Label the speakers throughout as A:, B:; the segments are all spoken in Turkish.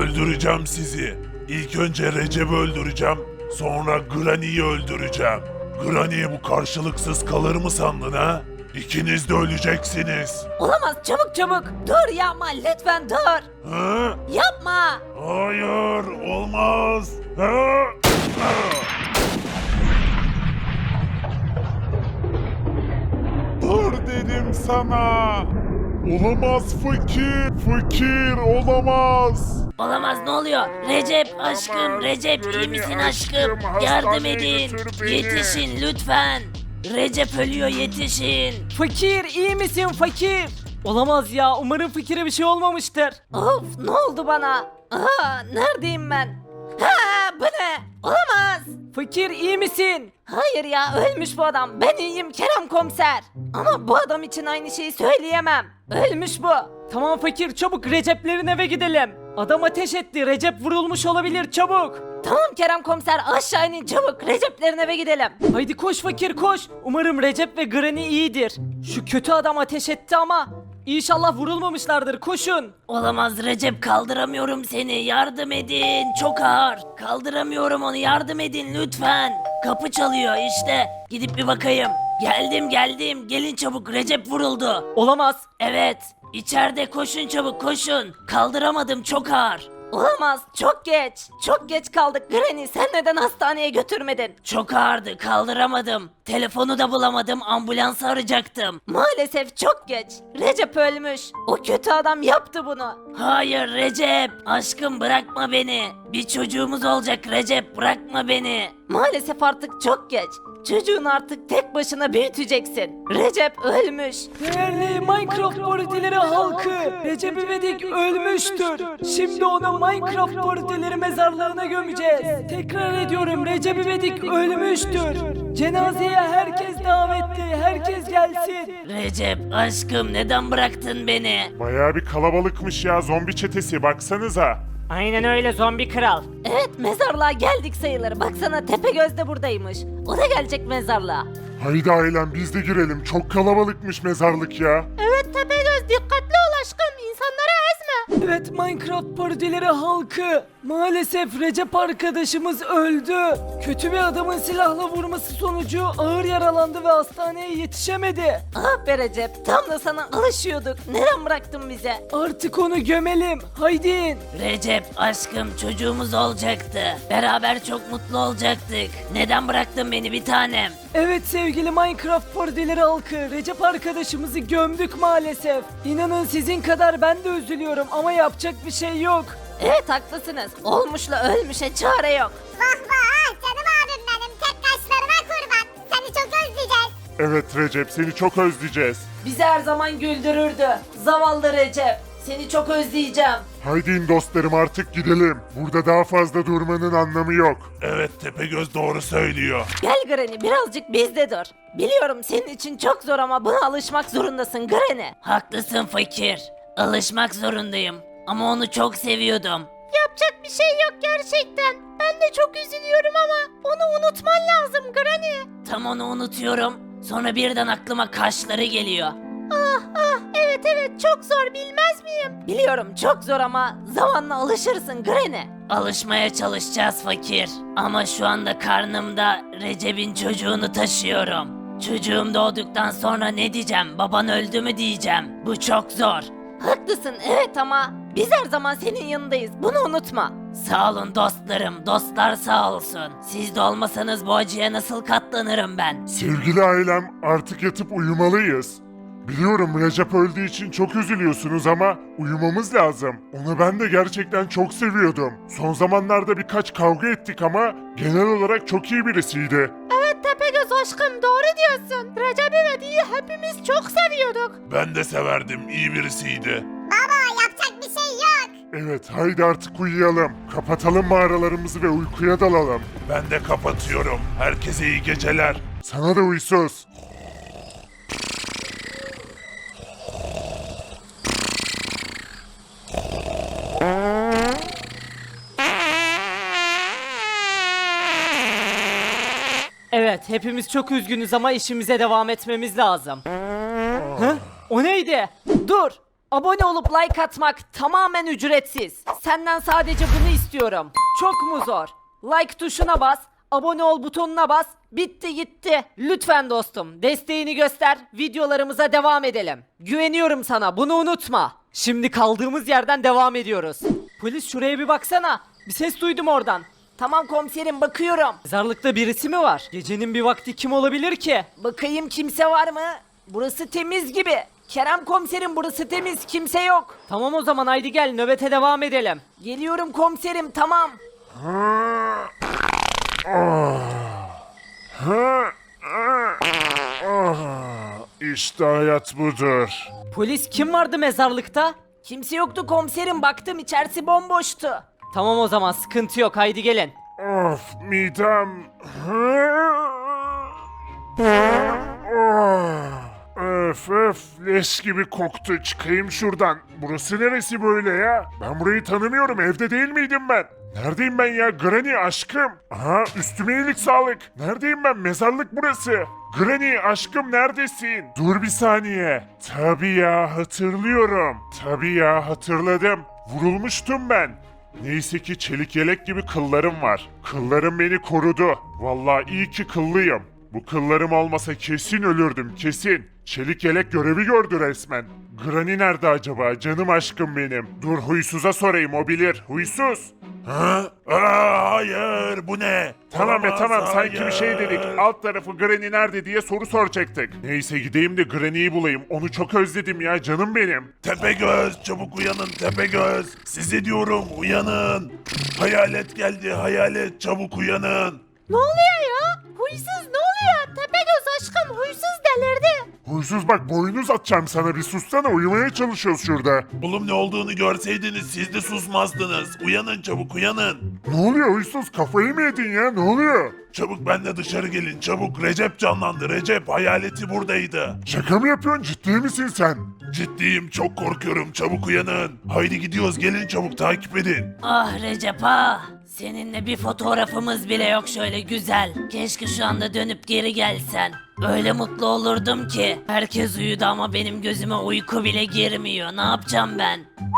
A: Öldüreceğim sizi. İlk önce Recep'i öldüreceğim. Sonra Granny'yi öldüreceğim. Granny bu karşılıksız kalır mı sandın ha? İkiniz de öleceksiniz.
B: Olamaz, çabuk çabuk. Dur yapma, lütfen dur.
A: Ha?
B: Yapma.
A: Hayır, olmaz. Ha?
C: Dur dedim sana. Olamaz fakir. Fakir olamaz.
B: Olamaz, ne oluyor? Recep aşkım, Recep iyi misin aşkım? Yardım edin. Yetişin lütfen. Recep ölüyor, yetişin.
D: Fakir iyi misin fakir? Olamaz ya, umarım fakire bir şey olmamıştır.
B: Of, ne oldu bana? Neredeyim ben? Bu ne? Olamaz.
D: Fakir iyi misin?
B: Hayır ya, ölmüş bu adam. Ben iyiyim Kerem komiser. Ama bu adam için aynı şeyi söyleyemem. Ölmüş bu.
D: Tamam fakir, çabuk Recep'lerin eve gidelim. Adam ateş etti, Recep vurulmuş olabilir, çabuk.
B: Tamam Kerem komiser, aşağı inin çabuk. Recep'lerin eve gidelim.
D: Haydi koş fakir koş. Umarım Recep ve Granny iyidir. Şu kötü adam ateş etti ama İnşallah vurulmamışlardır, koşun.
B: Olamaz Recep, kaldıramıyorum seni, yardım edin, çok ağır. Kaldıramıyorum onu, yardım edin lütfen. Kapı çalıyor işte, gidip bir bakayım. Geldim, gelin çabuk, Recep vuruldu.
D: Olamaz.
B: Evet, içeride, koşun çabuk koşun. Kaldıramadım, çok ağır. Olamaz, çok geç. Çok geç kaldık Granny, sen neden hastaneye götürmedin? Çok ağırdı, kaldıramadım. Telefonu da bulamadım, ambulans arayacaktım. Maalesef çok geç. Recep ölmüş. O kötü adam yaptı bunu. Hayır Recep, aşkım bırakma beni. Bir çocuğumuz olacak Recep, bırakma beni. Maalesef artık çok geç. Çocuğunu artık tek başına büyüteceksin. Recep ölmüş.
D: Değerli Minecraft partileri halkı, Recep İvedik ölmüştür. Şimdi onu Minecraft partileri mezarlığına gömeceğiz. Tekrar ediyorum, Recep İvedik ölmüştür. Cenazeye herkes davetli, herkes gelsin.
B: Recep aşkım, neden bıraktın beni?
C: Bayağı bir kalabalıkmış ya, zombi çetesi, baksanıza.
D: Aynen öyle zombi kral.
B: Evet, mezarlığa geldik sayılır. Baksana, Tepegöz de buradaymış. O da gelecek mezarlığa.
C: Haydi ailem biz de girelim, çok kalabalıkmış mezarlık ya.
B: Evet Tepegöz, dikkatli ol aşkım. İnsanları ezme.
D: Evet Minecraft partileri halkı, maalesef Recep arkadaşımız öldü. Kötü bir adamın silahla vurması sonucu ağır yaralandı ve hastaneye yetişemedi.
B: Ah be Recep, tam da sana alışıyorduk. Neden bıraktın bize?
D: Artık onu gömelim, haydi in.
B: Recep aşkım, çocuğumuz olacaktı. Beraber çok mutlu olacaktık. Neden bıraktın beni bir tanem?
D: Evet sevgili Minecraft partileri halkı, Recep arkadaşımızı gömdük maalesef. İnanın sizin kadar ben de üzülüyorum ama yapacak bir şey yok.
B: Evet haklısınız. Olmuşla ölmüşe çare yok.
E: Vah vah canım abim benim, tek kaşlarına kurban. Seni çok özleyeceğiz.
C: Evet Recep, seni çok özleyeceğiz.
B: Bizi her zaman güldürürdü. Zavallı Recep. Seni çok özleyeceğim.
C: Haydi in dostlarım, artık gidelim. Burada daha fazla durmanın anlamı yok.
A: Evet, Tepegöz doğru söylüyor.
B: Gel Granny, birazcık bizde dur. Biliyorum senin için çok zor ama buna alışmak zorundasın Granny. Haklısın fakir. Alışmak zorundayım. Ama onu çok seviyordum. Yapacak bir şey yok gerçekten. Ben de çok üzülüyorum ama onu unutman lazım Granny. Tam onu unutuyorum. Sonra birden aklıma kaşları geliyor. Evet çok zor, bilmez miyim? Biliyorum çok zor ama zamanla alışırsın Granny. Alışmaya çalışacağız fakir. Ama şu anda karnımda Recep'in çocuğunu taşıyorum. Çocuğum doğduktan sonra ne diyeceğim? Baban öldü mü diyeceğim. Bu çok zor. Haklısın evet ama biz her zaman senin yanındayız. Bunu unutma. Sağ olun dostlarım. Dostlar sağ olsun. Siz de olmasanız bu acıya nasıl katlanırım ben?
C: Sevgili ailem, artık yatıp uyumalıyız. Biliyorum Recep öldüğü için çok üzülüyorsunuz ama uyumamız lazım. Onu ben de gerçekten çok seviyordum. Son zamanlarda birkaç kavga ettik ama genel olarak çok iyi birisiydi.
B: Evet Tepegöz aşkım, doğru diyorsun. Recep İvedik'i hepimiz çok seviyorduk.
A: Ben de severdim, iyi birisiydi.
E: Baba yapacak bir şey yok.
C: Evet, haydi artık uyuyalım. Kapatalım mağaralarımızı ve uykuya dalalım.
A: Ben de kapatıyorum. Herkese iyi geceler.
C: Sana da uysuz.
D: Evet hepimiz çok üzgünüz ama işimize devam etmemiz lazım. Hı? O neydi? Dur! Abone olup like atmak tamamen ücretsiz. Senden sadece bunu istiyorum. Çok mu zor? Like tuşuna bas, abone ol butonuna bas. Bitti gitti. Lütfen dostum desteğini göster. Videolarımıza devam edelim. Güveniyorum sana, bunu unutma. Şimdi kaldığımız yerden devam ediyoruz. Polis şuraya bir baksana. Bir ses duydum oradan.
B: Tamam komiserim, bakıyorum.
D: Mezarlıkta birisi mi var? Gecenin bir vakti kim olabilir ki?
B: Bakayım kimse var mı? Burası temiz gibi. Kerem komiserim, burası temiz, kimse yok.
D: Tamam o zaman haydi gel nöbete devam edelim.
B: Geliyorum komiserim, tamam.
C: İşte hayat budur.
D: Polis kim vardı mezarlıkta?
B: Kimse yoktu komiserim, baktım içerisi bomboştu.
D: Tamam o zaman sıkıntı yok haydi gelin.
C: Of midem. Öf öf leş gibi koktu. Çıkayım şuradan. Burası neresi böyle ya? Ben burayı tanımıyorum. Evde değil miydim ben? Neredeyim ben ya? Granny aşkım. Aha üstüme iyilik sağlık. Neredeyim ben? Mezarlık burası. Granny aşkım neredesin? Dur bir saniye. Tabii ya hatırlıyorum. Tabii ya hatırladım. Vurulmuştum ben. Neyse ki çelik yelek gibi kıllarım var. Kıllarım beni korudu. Vallahi iyi ki kıllıyım. Bu kıllarım olmasa kesin ölürdüm kesin. Çelik yelek görevi gördü resmen. Granny nerede acaba canım aşkım benim? Dur huysuza sorayım o bilir. Huysuz.
A: Ha? Hayır, bu ne?
C: Tamam
A: Olamaz,
C: tamam sanki bir şey
A: hayır.
C: dedik. Alt tarafı Granny nerede diye soru soracaktık. Neyse gideyim de Granny'yi bulayım. Onu çok özledim ya canım benim.
A: Tepegöz, çabuk uyanın Tepegöz. Size diyorum, uyanın. Hayalet geldi, hayalet, çabuk uyanın.
B: Ne oluyor ya? Huysuz ne oluyor? Tepegöz aşkım, huysuz delirdi.
C: Huysuz bak boynu uzatacağım sana bir sussana uyumaya çalışıyoruz şurada.
A: Oğlum ne olduğunu görseydiniz siz de susmazdınız. Uyanın çabuk uyanın.
C: Ne oluyor huysuz kafayı mı yedin ya ne oluyor?
A: Çabuk benle dışarı gelin çabuk. Recep canlandı. Recep hayaleti buradaydı.
C: Şaka mı yapıyorsun ciddi misin sen?
A: Ciddiyim çok korkuyorum çabuk uyanın. Haydi gidiyoruz gelin çabuk takip edin.
B: Ah Recep ah. Seninle bir fotoğrafımız bile yok şöyle güzel. Keşke şu anda dönüp geri gelsen. Öyle mutlu olurdum ki. Herkes uyudu ama benim gözüme uyku bile girmiyor. Ne yapacağım ben?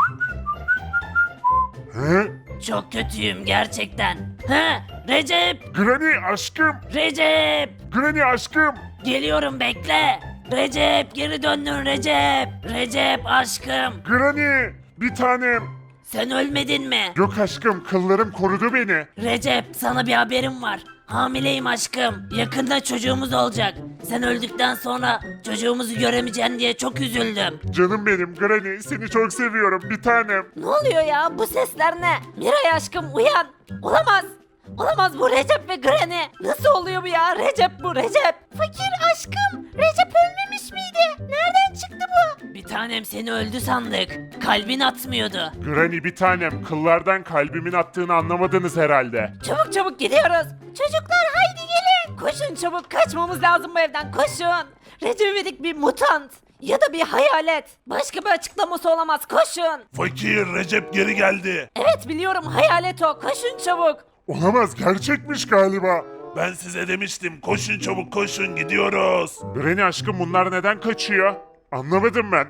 C: He?
B: Çok kötüyüm gerçekten. He? Recep!
C: Granny aşkım!
B: Recep!
C: Granny aşkım!
B: Geliyorum bekle. Recep geri döndün Recep. Recep aşkım.
C: Granny! Bir tanem!
B: Sen ölmedin mi?
C: Yok aşkım kıllarım korudu beni.
B: Recep sana bir haberim var. Hamileyim aşkım. Yakında çocuğumuz olacak. Sen öldükten sonra çocuğumuzu göremeyeceksin diye çok üzüldüm.
C: Canım benim Granny seni çok seviyorum bir tanem.
B: Ne oluyor ya? Bu sesler ne? Miray aşkım uyan. Olamaz. Olamaz bu Recep ve Granny. Nasıl oluyor bu ya? Recep bu Recep. Fakir aşkım. Recep ölmemiş miydi? Nereden çıktı bu? Bir tanem seni öldü sandık. Kalbin atmıyordu.
C: Granny bir tanem kıllardan kalbimin attığını anlamadınız herhalde.
B: Çabuk çabuk gidiyoruz. Çocuklar haydi gelin. Koşun çabuk kaçmamız lazım bu evden koşun. Recep İvedik bir mutant. Ya da bir hayalet. Başka bir açıklaması olamaz koşun.
A: Fakir Recep geri geldi.
B: Evet biliyorum hayalet o koşun çabuk.
C: Olamaz gerçekmiş galiba.
A: Ben size demiştim koşun çabuk koşun gidiyoruz.
C: Granny aşkım bunlar neden kaçıyor? Anlamadım ben.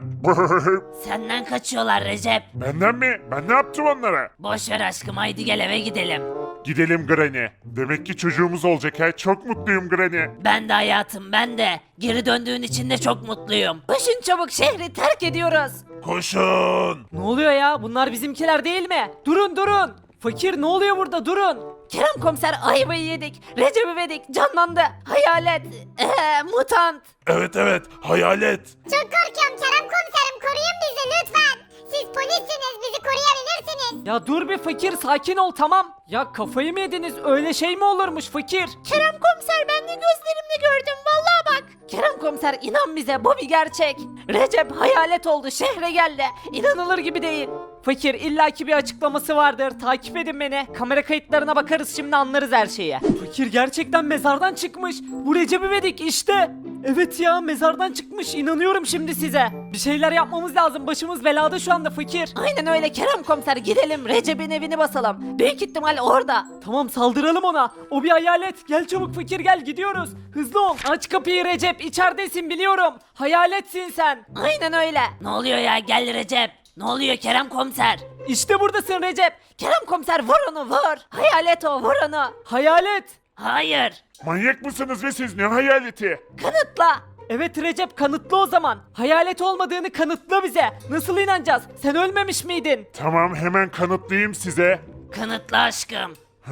B: Senden kaçıyorlar Recep.
C: Benden mi? Ben ne yaptım onlara?
B: Boş ver aşkım haydi gel eve gidelim.
C: Gidelim Granny. Demek ki çocuğumuz olacak ha. Çok mutluyum Granny.
B: Ben de hayatım ben de. Geri döndüğün için de çok mutluyum. Koşun çabuk şehri terk ediyoruz.
A: Koşun.
D: Ne oluyor ya bunlar bizimkiler değil mi? Durun durun. Fakir ne oluyor burada durun.
B: Kerem komiser ayvayı yedik. Recep İvedik canlandı. Hayalet. Mutant.
A: Evet hayalet.
E: Çok korkuyorum Kerem komiserim koruyun bizi lütfen. Siz polissiniz bizi koruyabilirsiniz.
D: Ya dur bir fakir sakin ol tamam. Ya kafayı mı yediniz öyle şey mi olurmuş fakir?
B: Kerem komiser ben de gözlerimle gördüm vallahi bak. Kerem komiser inan bize bu bir gerçek. Recep hayalet oldu şehre geldi. İnanılır gibi değil.
D: Fakir illaki bir açıklaması vardır. Takip edin beni. Kamera kayıtlarına bakarız şimdi anlarız her şeyi. Fakir gerçekten mezardan çıkmış. Bu Recep İvedik işte. Evet ya, mezardan çıkmış, inanıyorum şimdi size. Bir şeyler yapmamız lazım, başımız belada şu anda fakir.
B: Aynen öyle Kerem komiser, gidelim Recep'in evini basalım. Büyük ihtimal orada.
D: Tamam, saldıralım ona. O bir hayalet. Gel çabuk fakir, gel, gidiyoruz. Hızlı ol. Aç kapıyı Recep, içeridesin biliyorum. Hayaletsin sen.
B: Aynen öyle. Ne oluyor ya, gel Recep. Ne oluyor Kerem komiser?
D: İşte buradasın Recep.
B: Kerem komiser vur onu vur. Hayalet o, vur onu.
D: Hayalet.
B: Hayır.
C: Manyak mısınız ve siz, ne hayaleti?
B: Kanıtla.
D: Evet Recep, kanıtla o zaman. Hayalet olmadığını kanıtla bize. Nasıl inanacağız? Sen ölmemiş miydin?
C: Tamam, hemen kanıtlayayım size.
B: Kanıtla aşkım.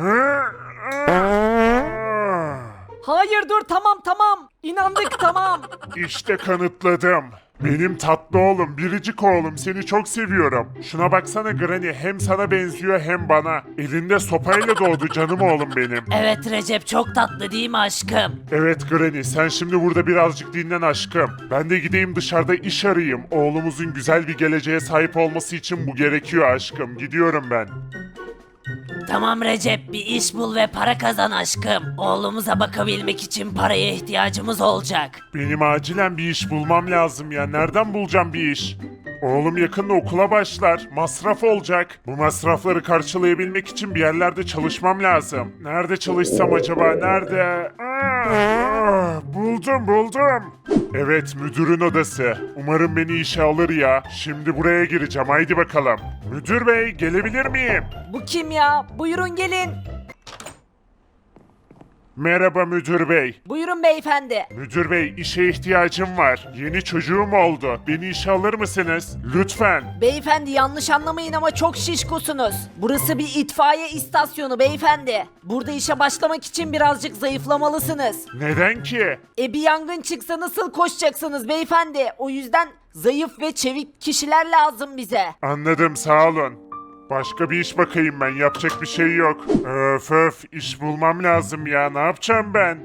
D: Hayır dur, tamam. İnandık tamam.
C: İşte kanıtladım. Benim tatlı oğlum, biricik oğlum, seni çok seviyorum. Şuna baksana Granny, hem sana benziyor hem bana. Elinde sopayla doğdu canım oğlum benim.
B: Evet Recep, çok tatlı değil mi aşkım?
C: Evet Granny, sen şimdi burada birazcık dinlen aşkım. Ben de gideyim dışarıda iş arayayım. Oğlumuzun güzel bir geleceğe sahip olması için bu gerekiyor aşkım. Gidiyorum ben.
B: Tamam Recep, bir iş bul ve para kazan aşkım. Oğlumuza bakabilmek için paraya ihtiyacımız olacak.
C: Benim acilen bir iş bulmam lazım ya. Nereden bulacağım bir iş? Oğlum yakında okula başlar. Masraf olacak. Bu masrafları karşılayabilmek için bir yerlerde çalışmam lazım. Nerede çalışsam acaba? Nerede? Buldum. Evet, müdürün odası. Umarım beni işe alır ya. Şimdi buraya gireceğim. Haydi bakalım. Müdür bey, gelebilir miyim?
D: Bu kim ya? Buyurun gelin.
C: Merhaba müdür bey.
D: Buyurun beyefendi.
C: Müdür bey, işe ihtiyacım var. Yeni çocuğum oldu. Beni işe alır mısınız? Lütfen.
D: Beyefendi yanlış anlamayın ama çok şişkosunuz. Burası bir itfaiye istasyonu beyefendi. Burada işe başlamak için birazcık zayıflamalısınız.
C: Neden ki?
D: Bir yangın çıksa nasıl koşacaksınız beyefendi? O yüzden zayıf ve çevik kişiler lazım bize.
C: Anladım, sağ olun. Başka bir iş bakayım ben, yapacak bir şey yok. Öf, iş bulmam lazım ya, ne yapacağım ben?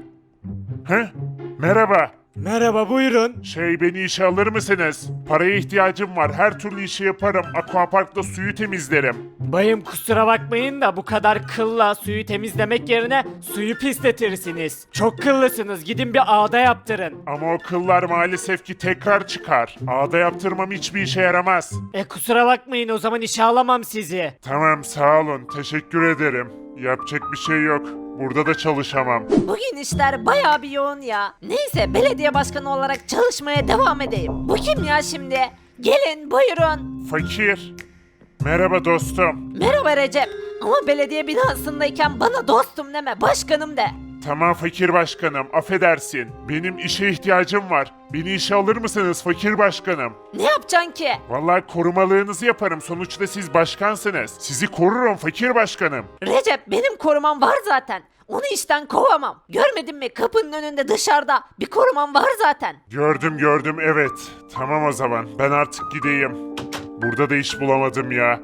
C: Merhaba.
F: Merhaba buyurun.
C: Beni işe alır mısınız? Paraya ihtiyacım var, her türlü işi yaparım. Aquapark'ta suyu temizlerim.
F: Bayım kusura bakmayın da bu kadar kılla suyu temizlemek yerine suyu pisletirsiniz. Çok kıllısınız, gidin bir ağda yaptırın.
C: Ama o kıllar maalesef ki tekrar çıkar. Ağda yaptırmam hiçbir işe yaramaz.
F: Kusura bakmayın, o zaman işe alamam sizi.
C: Tamam, sağ olun, teşekkür ederim. Yapacak bir şey yok. Burada da çalışamam.
B: Bugün işler bayağı bir yoğun ya. Neyse, belediye başkanı olarak çalışmaya devam edeyim. Bu kim ya şimdi? Gelin buyurun.
C: Fakir. Merhaba dostum.
B: Merhaba Recep. Ama belediye binasındayken bana dostum deme, başkanım de.
C: Tamam fakir başkanım, affedersin. Benim işe ihtiyacım var. Beni işe alır mısınız fakir başkanım?
B: Ne yapacaksın ki?
C: Vallahi korumalığınızı yaparım. Sonuçta siz başkansınız. Sizi korurum fakir başkanım.
B: Recep, benim korumam var zaten. Onu işten kovamam. Görmedin mi, kapının önünde dışarıda bir korumam var zaten.
C: Gördüm evet. Tamam o zaman, ben artık gideyim. Burada da iş bulamadım ya.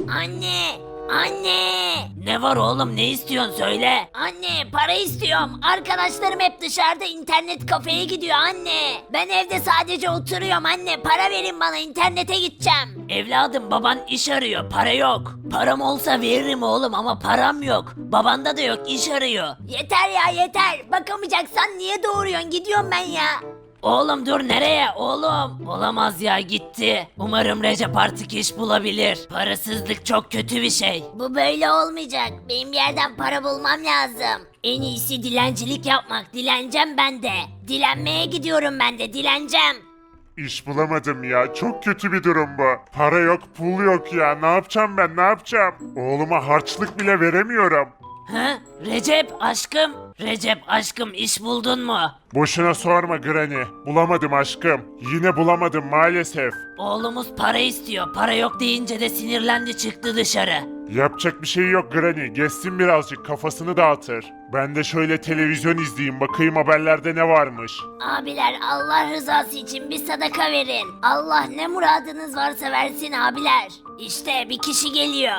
B: Anne! Anne! Ne var oğlum, ne istiyorsun söyle. Anne, para istiyorum. Arkadaşlarım hep dışarıda internet kafeye gidiyor anne. Ben evde sadece oturuyorum anne. Para verin bana, internete gideceğim. Evladım, baban iş arıyor, para yok. Param olsa veririm oğlum ama param yok. Babanda da yok, iş arıyor. Yeter ya yeter. Bakamayacaksan niye doğuruyorsun? Gidiyorum ben ya. Oğlum dur, nereye oğlum? Olamaz ya, gitti. Umarım Recep artık iş bulabilir. Parasızlık çok kötü bir şey. Bu böyle olmayacak. Benim bir yerden para bulmam lazım. En iyisi dilencilik yapmak. Dileneceğim ben de. Dilenmeye gidiyorum ben de, dileneceğim.
C: İş bulamadım ya. Çok kötü bir durum bu. Para yok, pul yok ya. Ne yapacağım ben, ne yapacağım? Oğluma harçlık bile veremiyorum.
B: Ha? Recep aşkım. Recep aşkım, iş buldun mu?
C: Boşuna sorma Granny. Bulamadım aşkım. Yine bulamadım maalesef.
B: Oğlumuz para istiyor. Para yok deyince de sinirlendi, çıktı dışarı.
C: Yapacak bir şey yok Granny. Geçsin birazcık, kafasını dağıtır. Ben de şöyle televizyon izleyeyim, bakayım haberlerde ne varmış.
B: Abiler, Allah rızası için bir sadaka verin. Allah ne muradınız varsa versin abiler. İşte bir kişi geliyor.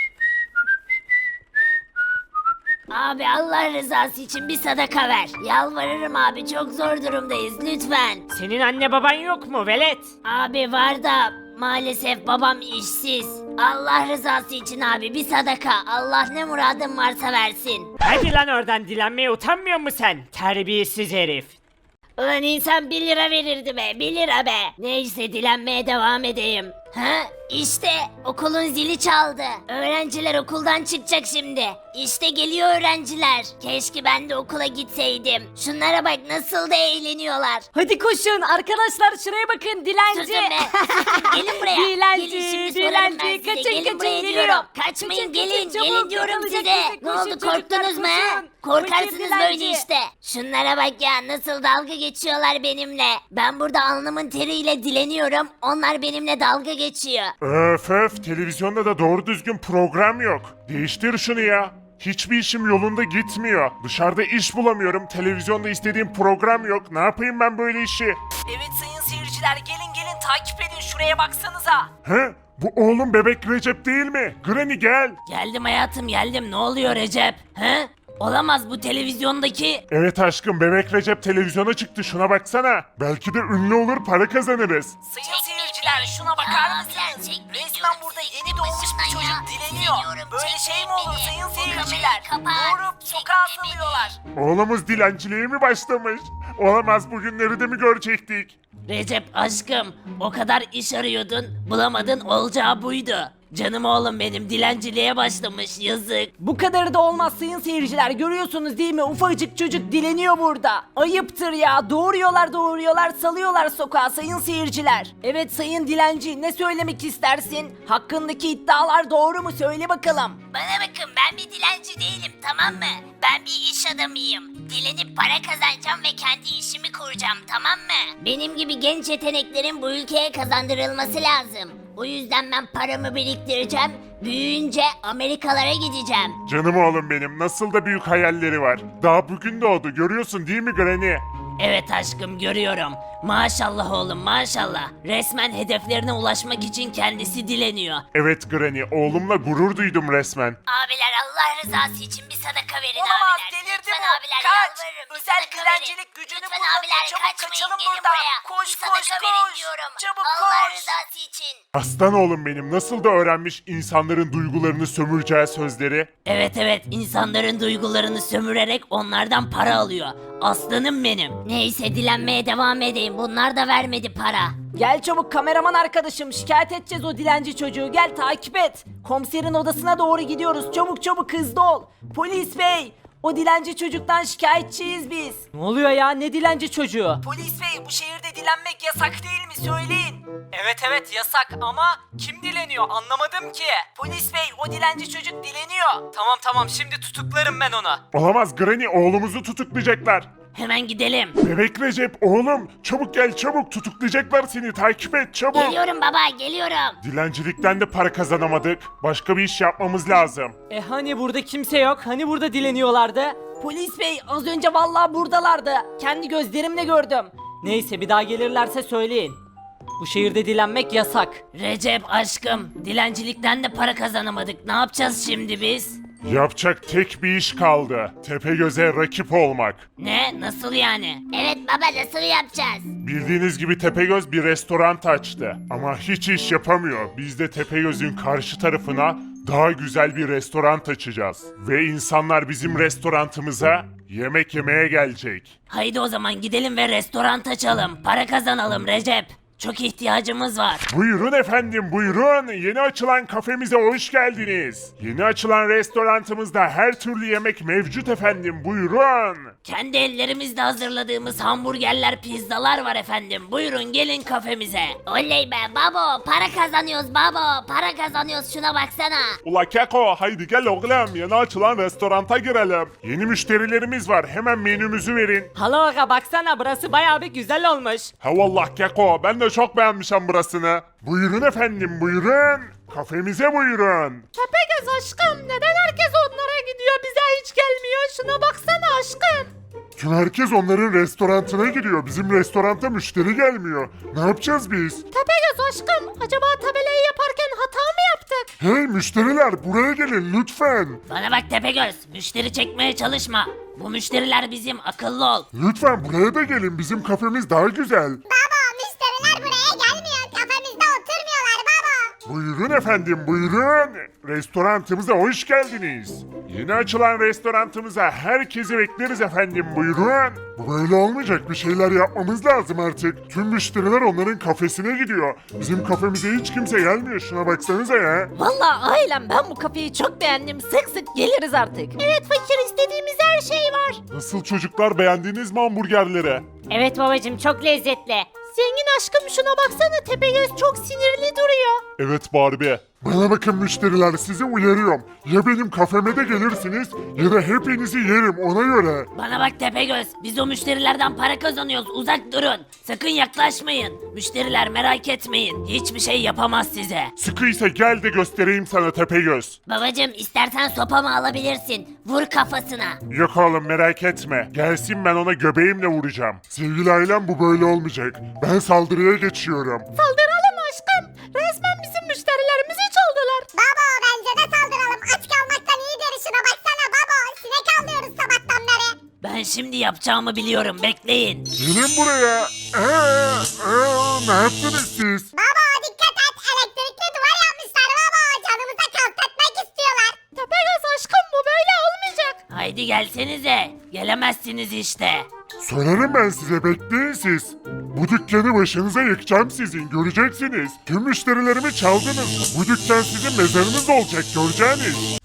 B: Abi, Allah rızası için bir sadaka ver. Yalvarırım abi, çok zor durumdayız lütfen.
F: Senin anne baban yok mu velet?
B: Abi var da maalesef babam işsiz. Allah rızası için abi bir sadaka. Allah ne muradın varsa versin.
F: Hadi lan oradan, dilenmeye utanmıyor musun sen? Terbiyesiz herif.
B: Ulan insan 1 lira verirdi be, 1 lira be. Neyse dilenmeye devam edeyim. Ha? İşte okulun zili çaldı. Öğrenciler okuldan çıkacak şimdi. İşte geliyor öğrenciler. Keşke ben de okula gitseydim. Şunlara bak nasıl da eğleniyorlar.
D: Hadi koşun arkadaşlar şuraya bakın dilenci.
B: Susun be. Susun. Gelin buraya.
D: Dilenci,
B: Gelin şimdi sorarım ben
D: dilenci.
B: size.
D: Kaçın,
B: Gelin
D: kaçın,
B: buraya
D: geliyorum.
B: diyorum. Kaçmayın
D: Kaçın,
B: gelin.
D: kaçın,
B: Gelin
D: çabuk,
B: diyorum
D: yakalayacak
B: size.
D: bizi.
B: Ne
D: Koşun
B: oldu
D: çocuklar,
B: korktunuz mu he?
D: koşun.
B: Korkarsınız
D: Fakir
B: böyle
D: dilenci.
B: işte. Şunlara bak ya nasıl dalga geçiyorlar benimle. Ben burada alnımın teriyle dileniyorum. Onlar benimle dalga geçiyor.
C: Öf öf, televizyonda da doğru düzgün program yok. Değiştir şunu ya. Hiçbir işim yolunda gitmiyor. Dışarıda iş bulamıyorum. Televizyonda istediğim program yok. Ne yapayım ben böyle işi?
D: Evet sayın seyirciler gelin takip edin şuraya baksanıza.
C: He? Bu oğlum bebek Recep değil mi? Granny gel.
B: Geldim hayatım geldim. Ne oluyor Recep? He? Olamaz bu televizyondaki.
C: Evet aşkım, bebek Recep televizyona çıktı, şuna baksana. Belki de ünlü olur, para kazanırız.
D: Sayın seyirciler şuna bakar mısınız? Resmen burada yeni doğmuş bir çocuk dileniyor. Böyle şey mi olur sayın seyirciler? Doğurup sokağa salıyorlar.
C: Oğlumuz dilenciliğe mi başlamış? Olamaz, bugünleri de mi görecektik?
B: Recep aşkım o kadar iş arıyordun bulamadın olacağı buydu. Canım oğlum benim dilenciliğe başlamış yazık.
D: Bu kadarı da olmaz sayın seyirciler görüyorsunuz değil mi ufacık çocuk dileniyor burada. Ayıptır ya doğuruyorlar salıyorlar sokağa sayın seyirciler. Evet sayın dilenci ne söylemek istersin? Hakkındaki iddialar doğru mu söyle bakalım.
B: Bana bakın ben bir dilenci değilim tamam mı? Ben bir iş adamıyım. Dilenip para kazanacağım ve kendi işimi kuracağım tamam mı? Benim gibi genç yeteneklerin bu ülkeye kazandırılması lazım. O yüzden ben paramı biriktireceğim. Büyüyünce Amerikalara gideceğim.
C: Canım oğlum benim, nasıl da büyük hayalleri var. Daha bugün doğdu, görüyorsun değil mi Granny?
B: Evet aşkım görüyorum. Maşallah oğlum maşallah. Resmen hedeflerine ulaşmak için kendisi dileniyor.
C: Evet Granny, oğlumla gurur duydum resmen.
B: Abiler Allah rızası için bir sadaka verin
D: Olamaz,
B: abiler.
D: delirdi
B: Lütfen
D: bu.
B: abiler
D: Kaç.
B: yalvarırım. Bir
D: Özel
B: sadaka
D: dilencilik
B: verin.
D: gücünü
B: Lütfen
D: kullanın.
B: abiler
D: Çabuk
B: kaçmayın
D: kaçalım
B: gelin
D: buradan.
B: buraya.
D: Koş,
B: bir sadaka
D: koş,
B: verin
D: koş.
B: diyorum.
D: Çabuk
B: Allah
D: koş.
B: rızası için.
C: Aslan oğlum benim, nasıl da öğrenmiş insanların duygularını sömüreceği sözleri.
B: Evet insanların duygularını sömürerek onlardan para alıyor. Aslanım benim. Neyse dilenmeye devam edeyim. Bunlar da vermedi para.
D: Gel çabuk kameraman arkadaşım şikayet edeceğiz o dilenci çocuğu gel takip et. Komiserin odasına doğru gidiyoruz çabuk hızlı ol. Polis bey o dilenci çocuktan şikayetçiyiz biz. Ne oluyor ya ne dilenci çocuğu? Polis bey bu şehirde dilenmek yasak değil mi söyleyin. Evet yasak ama kim dileniyor anlamadım ki. Polis bey o dilenci çocuk dileniyor. Tamam şimdi tutuklarım ben onu.
C: Olamaz Granny, oğlumuzu tutuklayacaklar.
B: Hemen gidelim.
C: Bebek Recep oğlum, çabuk gel çabuk, tutuklayacaklar seni, takip et çabuk.
B: Geliyorum baba geliyorum.
C: Dilencilikten de para kazanamadık. Başka bir iş yapmamız lazım.
D: Hani burada kimse yok? Hani burada dileniyorlardı? Polis bey az önce vallahi buradalardı. Kendi gözlerimle gördüm. Neyse bir daha gelirlerse söyleyin. Bu şehirde dilenmek yasak.
B: Recep aşkım dilencilikten de para kazanamadık. Ne yapacağız şimdi biz?
C: Yapacak tek bir iş kaldı. Tepegöz'e rakip olmak.
B: Ne? Nasıl yani? Evet baba nasıl yapacağız?
C: Bildiğiniz gibi Tepegöz bir restoran açtı. Ama hiç iş yapamıyor. Biz de Tepegöz'ün karşı tarafına daha güzel bir restoran açacağız. Ve insanlar bizim restorantımıza yemek yemeye gelecek.
B: Haydi o zaman gidelim ve restoran açalım. Para kazanalım Recep. Çok ihtiyacımız var.
C: Buyurun efendim buyurun. Yeni açılan kafemize hoş geldiniz. Yeni açılan restorantımızda her türlü yemek mevcut efendim buyurun.
B: Kendi ellerimizle hazırladığımız hamburgerler, pizzalar var efendim. Buyurun gelin kafemize. Oley be babo, para kazanıyoruz babo. Para kazanıyoruz şuna baksana.
C: Ula Keko haydi gel oğlum yeni açılan restoranta girelim. Yeni müşterilerimiz var hemen menümüzü verin.
D: Hala aga baksana burası bayağı bir güzel olmuş.
C: Ha vallah Keko ben de çok beğenmişim burasını. Buyurun efendim buyurun. Kafemize buyurun.
D: Tepegöz aşkım neden herkes onlara gidiyor bize hiç gelmiyor şuna baksana aşkım.
C: Tüm herkes onların restorantına gidiyor. Bizim restoranta müşteri gelmiyor. Ne yapacağız biz?
D: Tepegöz aşkım acaba tabelayı yaparken hata mı yaptık?
C: Hey müşteriler buraya gelin lütfen.
B: Bana bak Tepegöz, müşteri çekmeye çalışma. Bu müşteriler bizim, akıllı ol.
C: Lütfen buraya da gelin. Bizim kafemiz daha güzel.
E: Baba müşteriler buraya gelmiyor. Kafemizde oturmuyorlar baba.
C: Buyurun efendim buyurun. Restorantımıza hoş geldiniz. Yeni açılan restorantımıza herkesi bekleriz efendim buyurun. Bu böyle olmayacak, bir şeyler yapmamız lazım artık. Tüm müşteriler onların kafesine gidiyor. Bizim kafemize hiç kimse gelmiyor, şuna baksanıza ya.
B: Vallahi ailem ben bu kafeyi çok beğendim. Sık sık geliriz artık. Evet fakir, istediğimiz her şey var.
C: Nasıl çocuklar, beğendiniz mi hamburgerleri?
B: Evet babacım, çok lezzetli. Zengin aşkım şuna baksana, Tepegöz çok sinirli duruyor.
C: Evet Barbie. Bana bakın müşteriler, sizi uyarıyorum. Ya benim kafeme de gelirsiniz ya da hepinizi yerim, ona göre.
B: Bana bak Tepegöz, biz o müşterilerden para kazanıyoruz, uzak durun. Sakın yaklaşmayın. Müşteriler merak etmeyin, hiçbir şey yapamaz size.
C: Sıkıysa gel de göstereyim sana Tepegöz.
B: Babacım istersen sopamı alabilirsin. Vur kafasına.
C: Yok oğlum merak etme. Gelsin, ben ona göbeğimle vuracağım. Sevgili ailem, bu böyle olmayacak. Ben saldırıya geçiyorum.
B: Saldıralım aşkım. Resmen bizim müşterilerimizi çaldılar.
E: Baba bence de saldıralım. Aç kalmaktan iyidir, şuna baksana baba. Sinek avlıyoruz sabahtan beri.
B: Ben şimdi yapacağımı biliyorum, bekleyin.
C: Gelin buraya. Ne yaptınız siz?
E: Baba dikkat et, elektrikli duvar yapmışlar baba. Canımıza kastetmek istiyorlar.
B: Tepegöz aşkım, bu böyle olmayacak. Haydi gelsenize. Gelemezsiniz işte.
C: Söylerim ben size, bekleyin siz. Bu dükkanı başınıza yıkacağım sizin, göreceksiniz. Tüm müşterilerimi çaldınız. Bu dükkan sizin mezarınız olacak, göreceğiniz.